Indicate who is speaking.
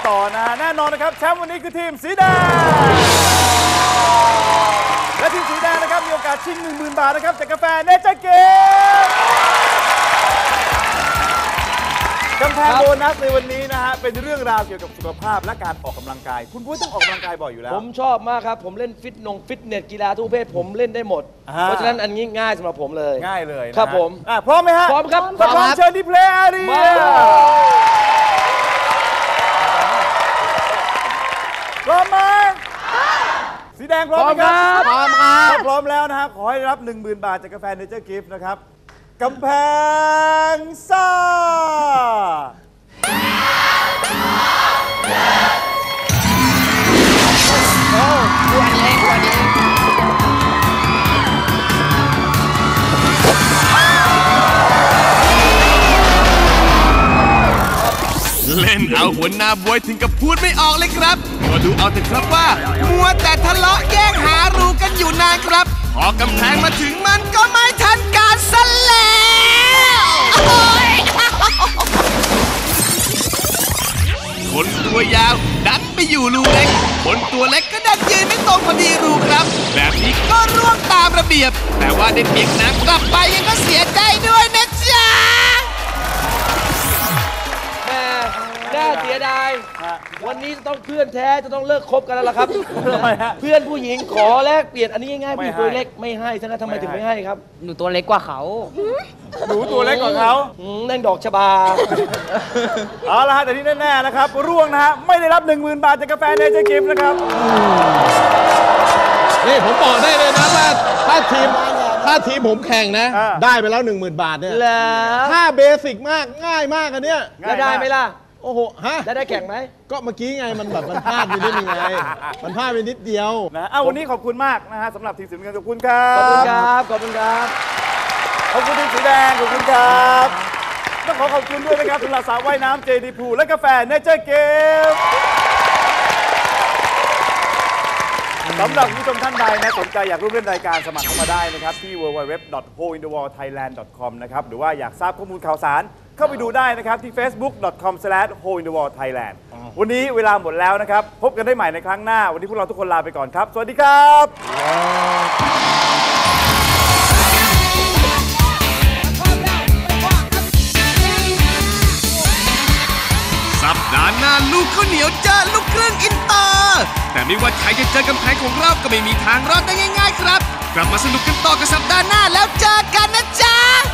Speaker 1: ต่อนะฮะแน่นอนนะครับแชมป์วันนี้คือทีมสีแดงและทีมสีแดงนะครับมีโอกาสชิง 10,000 บาทนะครับจากกาแฟเนเจอร์เกมกำแพงโบนัสในวันนี้นะฮะเป็นเรื่องราวเกี่ยวกับสุขภาพและการออกกำลังกายคุณพุ้ยต้องออกกำลังกายบ่อยอยู่แล้ว
Speaker 2: ผมชอบมากครับผมเล่นฟิตเนสกีฬาทุกประเภทผมเล่นได้หมดเพราะฉะนั้นอันนี้ง่ายสำหรับผมเลย
Speaker 1: ง่ายเลย
Speaker 2: ครับผม
Speaker 1: พร้อมไหมฮะ
Speaker 2: พร้อมครับ
Speaker 1: พร้อมเชิญที่เพลย์อารีพร้อมไหมสีแดงพร้อมไหมครับ
Speaker 2: พร้อมครับ
Speaker 1: ถ้าพร้อมแล้วนะฮะขอให้รับ 10,000 บาทจากกาแฟเนเจอร์กิฟต์นะครับกำแพงซ่า
Speaker 3: เล่นเอาหัวหน้าบวยถึงกับพูดไม่ออกเลยครับก็ดูเอาเถอะครับว่ามัวแต่ทะเลาะแย่งหารูกันอยู่นานครับพอกำแพงมาถึงมันก็ไม่ทันการซะแล้วคนตัวยาวดันไปอยู่รูเล็กคนตัวเล็กก็ดันยืนไม่ตรงพอดีรูครับแบบนี้ก็ร่วงตามระเบียบแต่ว่าได้เปียกน้ำกลับไปยังก็เสียใจด้วยนะจ๊ะ
Speaker 2: น่าเสียดายวันนี้จะต้องเพื่อนแท้จะต้องเลิกคบกันแล้วล่ะครับเพื่อนผู้หญิงขอแลกเปลี่ยนอันนี้ง่ายๆผู้ตัวเล็กไม่ให้ฉะนั้นทำไมถึงไม่ให้ครับ
Speaker 4: หนูตัวเล็กกว่าเขา
Speaker 1: หนูตัวเล็กกว่าเขา
Speaker 2: นั่งดอกชบา
Speaker 1: เอาละฮะแต่ที่แน่ๆนะครับร่วงนะฮะไม่ได้รับ 10,000 บาทจากกาแฟเนเจอร์กิฟต์นะครับ
Speaker 5: นี่ผมบอกได้เลยนะว่าถ้าทีมผมแข่งนะได้ไปแล้ว 10,000 บาทเนี่ยถ้าเบสิกมากง่ายมากอันเนี้ย
Speaker 2: แล้วได้ไหมล่ะ
Speaker 5: โอ้โหฮะ
Speaker 2: ได้แข่งไหม
Speaker 5: ก็เมื่อกี้ไงมันแบบมันพลาดไปนิดนึงไงมันพลาดไปนิดเดียว
Speaker 1: นะวันนี้ขอบคุณมากนะฮะสำหรับทีมสีน้ำเงินขอบคุณครับ
Speaker 2: ขอบคุณครับขอบคุณครับ
Speaker 1: ขอบคุณทีมสีแดงขอบคุณครับต้องขอบคุณด้วยนะครับสำหรับสระว่ายน้ำ JD Pool และกาแฟเนเจอร์เกมสำหรับผู้ชมท่านใดนะสนใจอยากร่วมเล่นรายการสมัครเข้ามาได้นะครับที่ www.holeinthewallthailand.com นะครับหรือว่าอยากทราบข้อมูลข่าวสารเข้าไปดูได้นะครับที่ facebook.com/holeinthewallthailand วันนี้เวลาหมดแล้วนะครับพบกันได้ใหม่ในครั้งหน้าวันนี้พวกเราทุกคนลาไปก่อนครับสวัสดีครับ
Speaker 3: สัปดาห์หน้าลูกข้าวเหนียวเจอลูกครึ่งอินเตอร์แต่ไม่ว่าใครจะเจอกำแพงของเราก็ไม่มีทางรอดได้ง่ายๆครับกลับมาสนุกกันต่อกับสัปดาห์หน้าแล้วเจอกันนะจ๊ะ